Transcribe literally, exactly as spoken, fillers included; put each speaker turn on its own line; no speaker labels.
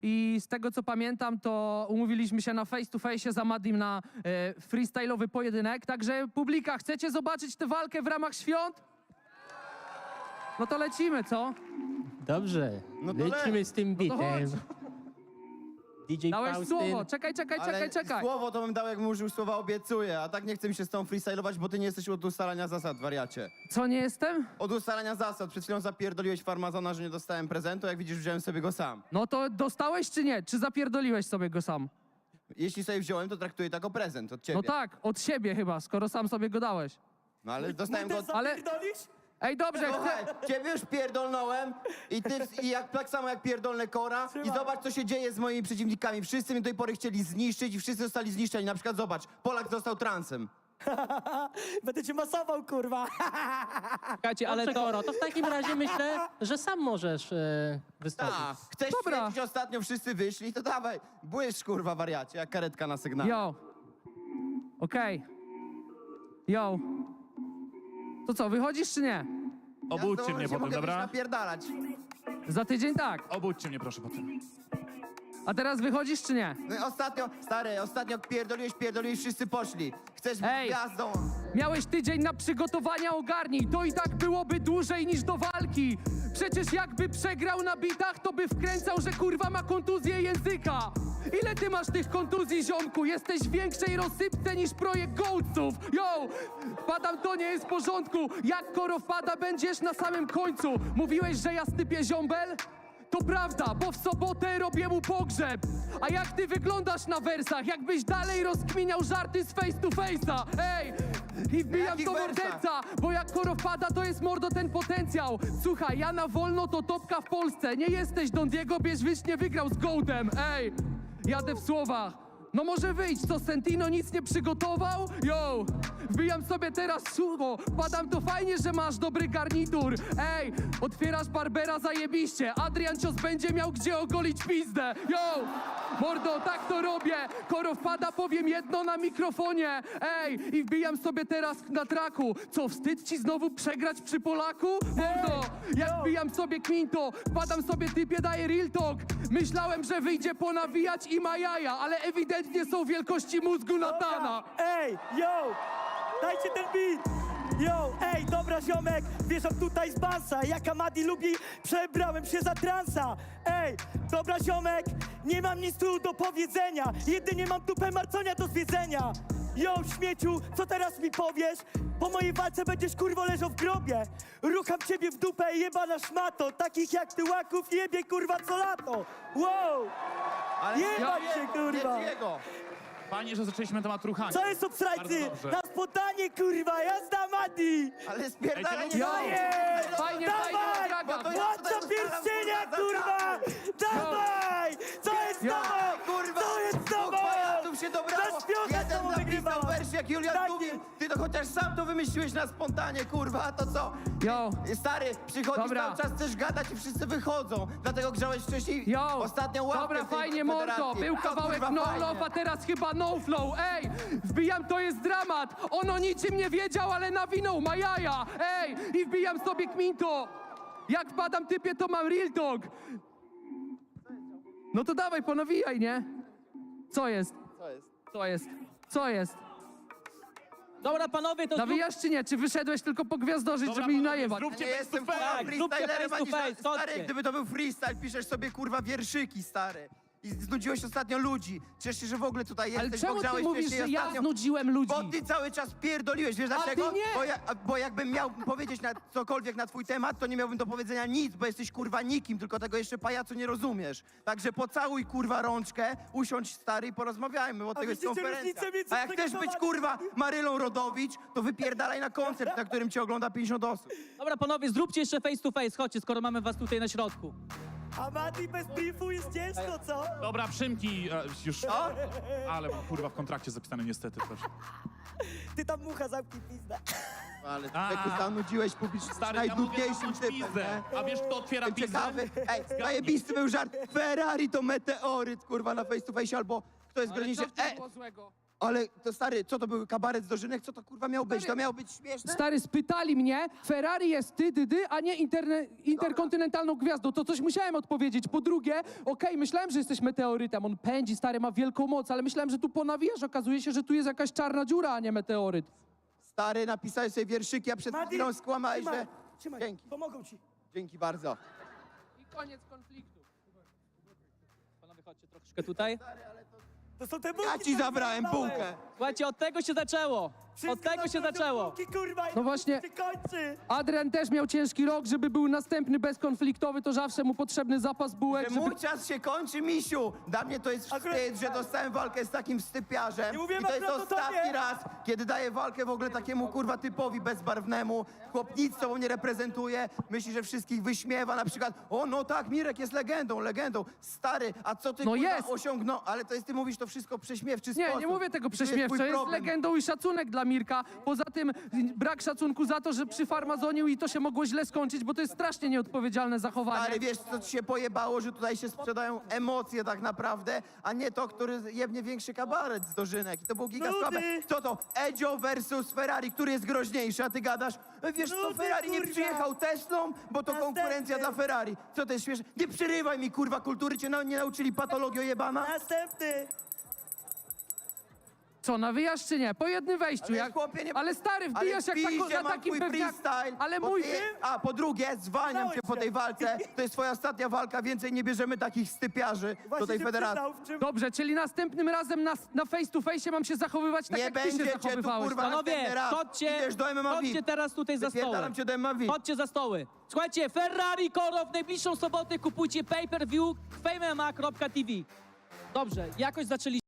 I z tego co pamiętam, to umówiliśmy się na face to face z Amadim na e, freestyle'owy pojedynek. Także publika, chcecie zobaczyć tę walkę w ramach świąt? No to lecimy, co?
Dobrze,
No to
lecimy
lec.
z tym
No to
bitem.
chodź.
D J
Dałeś
Faustyn.
słowo, czekaj, czekaj,
Ale
czekaj, czekaj.
słowo to bym dał, jakbym użył słowa obiecuję, a tak nie chcę mi się z tą freestylować, bo ty nie jesteś od ustalania zasad, wariacie.
Co, nie jestem?
Od ustalania zasad. Przed chwilą zapierdoliłeś farmazona, że nie dostałem prezentu, jak widzisz, wziąłem sobie go sam.
No to dostałeś czy nie? Czy zapierdoliłeś sobie go sam?
Jeśli sobie wziąłem, to traktuję to jako prezent od ciebie.
No tak, od siebie chyba, skoro sam sobie go dałeś.
No ale dostałem go od...
Ale-
Zapierdolisz?
Ej, dobrze,
Słuchaj,
chcę...
ciebie już pierdolnąłem i ty i jak tak samo jak pierdolne Kora i zobacz, co się dzieje z moimi przeciwnikami. Wszyscy mnie do tej pory chcieli zniszczyć i wszyscy zostali zniszczeni. Na przykład zobacz, Polak został transem.
Będę cię masował, kurwa.
Czekajcie, ale to, to w takim razie myślę, że sam możesz e, wystąpić.
A, chcesz
Dobra.
świecić, ostatnio wszyscy wyszli, to dawaj, błyszcz kurwa wariacie, jak karetka na sygnale.
Yo. Okej. Yo. To co, wychodzisz czy nie?
Obudźcie
Ja
mnie
się
potem,
mogę
dobra?
napierdalać.
Za tydzień tak.
Obudźcie mnie proszę potem.
A teraz wychodzisz czy nie?
No i ostatnio, stary, ostatnio pierdoliłeś, pierdoliłeś, wszyscy poszli. Chcesz być
Ej.
gwiazdą.
Miałeś tydzień na przygotowania, ogarnij. To i tak byłoby dłużej niż do walki. Przecież jakby przegrał na bitach, to by wkręcał, że kurwa ma kontuzję języka. Ile ty masz tych kontuzji, ziomku? Jesteś w większej rozsypce niż projekt Gołców. Yo! Wpadam, to nie jest w porządku. Jak Koro wpada, będziesz na samym końcu. Mówiłeś, że ja stypię ziombel? To prawda, bo w sobotę robię mu pogrzeb. A jak ty wyglądasz na wersach? Jakbyś dalej rozkminiał żarty z face to face'a. Ej! I wbijam
jakich
to
wersach?
morderca, bo jak Koro wpada, to jest mordo ten potencjał. Słuchaj, ja na wolno to topka w Polsce. Nie jesteś Don Diego, Bierzwicz nie wygrał z Goldem. Ej! Jadę w słowach. No może wyjść, co Sentino nic nie przygotował? Yo! Wbijam sobie teraz słowo. Padam, to fajnie, że masz dobry garnitur. Ej! Otwierasz Barbera zajebiście. Adrian Cios będzie miał gdzie ogolić pizdę. Yo! Mordo, tak to robię. Koro wpada, powiem jedno na mikrofonie. Ej! I wbijam sobie teraz na traku. Co, wstyd ci znowu przegrać przy Polaku? Mordo! Jak wbijam sobie Quinto, wpadam sobie typie, daję real talk. Myślałem, że wyjdzie ponawijać i ma jaja, ale ewidentnie są wielkości mózgu Natana.
Ej, yo! Dajcie ten beat! Yo, ej, dobra ziomek, wjeżdżam tutaj z bansa. Jak Amadi lubi, przebrałem się za transa. Ej, dobra ziomek, nie mam nic tu do powiedzenia. Jedynie mam tupę marconia do zwiedzenia. Yo, śmieciu, co teraz mi powiesz? Po mojej walce będziesz kurwo leżał w grobie. Rucham ciebie w dupę, jebana szmato. Takich jak ty łaków jebie kurwa co lato. Wow!
Ale
Jebać
nie,
się, kurwa.
Nie jego.
Fajnie, że zaczęliśmy temat ruchania.
Co jest obsrajcy?
Bardzo dobrze.
Na spontanie kurwa, jazda Madi!
Ale spierdalaj
Ej,
nie
yo.
Daję!
Fajnie,
Dawaj!
fajnie, draga.
Bo to ja
Władca
tutaj ustalam,
pierścienia,
kurwa,
kurwa! Dawaj! Co jest z
Yo.
tobą?
Kurwa,
Co jest z
dwóch
tobą?
wariatów się dobrało.
Za śpiątek
Jeden
znowu
napisał
wygrywała.
wersję jak Julian
Tak.
Tuwim. Ty to chociaż sam to wymyśliłeś na spontanie, kurwa, a to co?
Yo!
Stary, przychodzisz
Dobra.
cały czas, chcesz gadać i wszyscy wychodzą. Dlatego grzałeś wcześniej
Yo!
ostatnią łapkę
Dobra,
w tej
fajnie,
federacji.
mordo. Był
To,
kawałek
kurwa,
no
fajnie.
love, a teraz chyba no flow. Ej! Wbijam, to jest dramat. On o niczym nie wiedział, ale nawinął ma jaja. Ej! I wbijam sobie Quinto. Jak wpadam typie, to mam real talk. No to dawaj, ponawijaj, nie? Co jest?
Co jest?
Co jest? Co jest?
Dobra, panowie, to zrób,
Nawijasz czy nie? Czy wyszedłeś tylko pogwiazdorzyć,
Dobra,
żeby mi
panowie,
najewać?
zróbcie
Nie
face to
jestem
face.
kurwa
Tak, zróbcie
freestylerem,
face to
ani ża-
face,
stary,
chodźcie.
gdyby to był freestyle, piszesz sobie kurwa wierszyki, stary. I znudziłeś ostatnio ludzi. Ciesz się, że w ogóle tutaj
Ale
jesteś,
czemu
bo
ty
grzałeś
mówisz,
wcześniej
że ja
ostatnio.
znudziłem ludzi?
Bo ty cały czas pierdoliłeś, wiesz
A
dlaczego?
ty nie!
Bo, ja, bo jakbym miał powiedzieć na cokolwiek na twój temat, to nie miałbym do powiedzenia nic, bo jesteś kurwa nikim, tylko tego jeszcze pajacu nie rozumiesz. Także pocałuj kurwa rączkę, usiądź stary i porozmawiajmy, bo tego jest
widzicie
konferencja.
różnicę między
A jak chcesz być
przygotowaniem-
kurwa Marylą Rodowicz, to wypierdalaj na koncert, na którym cię ogląda pięćdziesiąt osób.
dobra, panowie, zróbcie jeszcze face to face, chodźcie, skoro mamy was tutaj na środku.
Amadi bez briefu jest ciężko, co?
Dobra, Przymki, e, już...
O!
Ale mam kurwa w kontrakcie zapisane niestety też.
Ty tam mucha zamknij pizdę.
Ale
A.
ty zanudziłeś publicznie
Stary, ja mówię
najdłużniejszym
zamknąć
typem,
pizdę.
nie?
A wiesz, kto otwiera pizzę?
Ciekawy. Ej, zajebisty był żart. Ferrari to meteoryt, kurwa, na face to face, albo ktoś
Ale
zgrozi się.
co w tym
Ej,
było złego?
Ale to stary, co to był kabaret z dożynek? Co to kurwa miało być? To miało być śmieszne?
Stary, spytali mnie, Ferrari jest ty, dy, dy, a nie interne, interkontynentalną gwiazdą. To coś musiałem odpowiedzieć. Po drugie, okej, myślałem, że jesteś meteorytem. On pędzi, stary, ma wielką moc, ale myślałem, że tu ponawijasz. Okazuje się, że tu jest jakaś czarna dziura, a nie meteoryt.
Stary, napisałeś sobie wierszyki, a przed
Madi,
chwilą skłamałeś,
trzymaj,
że...
trzymaj,
Dzięki,
pomogą ci.
dzięki bardzo.
I koniec konfliktu.
Panowie, chodźcie troszeczkę tutaj.
To są te bułki,
Ja ci
które
zabrałem
zajebałeś.
bułkę.
Słuchajcie, od tego się zaczęło.
Wszystko
Od tego
na
się
końcu
zaczęło.
bułki, kurwa, i
No właśnie-
się kończy.
Adrian też miał ciężki rok, żeby był następny bezkonfliktowy, to zawsze mu potrzebny zapas bułek,
Że
żeby...
mój czas się kończy, misiu. Dla mnie to jest
Akurat-
wstyd, że dostałem walkę z takim wstypiarzem.
Nie mówiłem
I to jest
akurat o
ostatni
tobie.
raz, kiedy daję walkę w ogóle takiemu kurwa typowi bezbarwnemu. Chłop nic sobą nie reprezentuje. Myśli, że wszystkich wyśmiewa. Na przykład, o no tak, Mirek jest legendą, legendą. Stary, a co ty
No
kurwa
jest.
osiągnął? Ale to jest, ty mówisz to wszystko w prześmiewczy
Nie,
sposób.
nie mówię tego
I tu twój
prześmiewczo, jest
problem.
legendą i szacunek dla Mirka. Poza tym brak szacunku za to, że przyfarmazonił i to się mogło źle skończyć, bo to jest strasznie nieodpowiedzialne zachowanie.
Stary, wiesz, co ci się pojebało, że tutaj się sprzedają emocje tak naprawdę, a nie to, który jebnie większy kabaret z dożynek. I to było giga
Nudy.
słabe. Co to? Edzio versus Ferrari, który jest groźniejszy, a ty gadasz, "E, wiesz co,
Nudy,
Ferrari nie
kurwa.
przyjechał Teslą, bo to
Następny.
konkurencja dla Ferrari. Co to jest śmieszne? Nie przerywaj mi, kurwa, kultury cię na, nie nauczyli patologii jebana?
Następny.
Co, nawijasz czy nie? Po jednym wejściu.
Ale
jak...
chłopie, nie-
ale stary,
Ale
wbijasz jak
w
tako,
piździe
na
mam
takim
twój
pewniaku.
freestyle,
Ale
bo
mój...
ty- A po drugie, zwalniam cię po
Znałeś
tej
się.
walce. To jest twoja ostatnia walka, więcej nie bierzemy takich stypiarzy do
Właśnie
tej
się
federacji.
przyznał, w czym...
Dobrze, czyli następnym razem na, na face to face mam się zachowywać tak,
Nie
jak ty się
będzie cię tu,
zachowywałeś.
kurwa,
tak?
Panowie,
następny raz.
chodźcie,
Idziesz do M M A V I P.
chodźcie teraz tutaj za stoły.
Wypierdalam cię do M M A V I P.
Chodźcie za stoły. Słuchajcie, Ferrari Koro w najbliższą sobotę kupujcie pay-per-view fame M M A kropka t v. Dobrze, jakoś zaczęliśmy.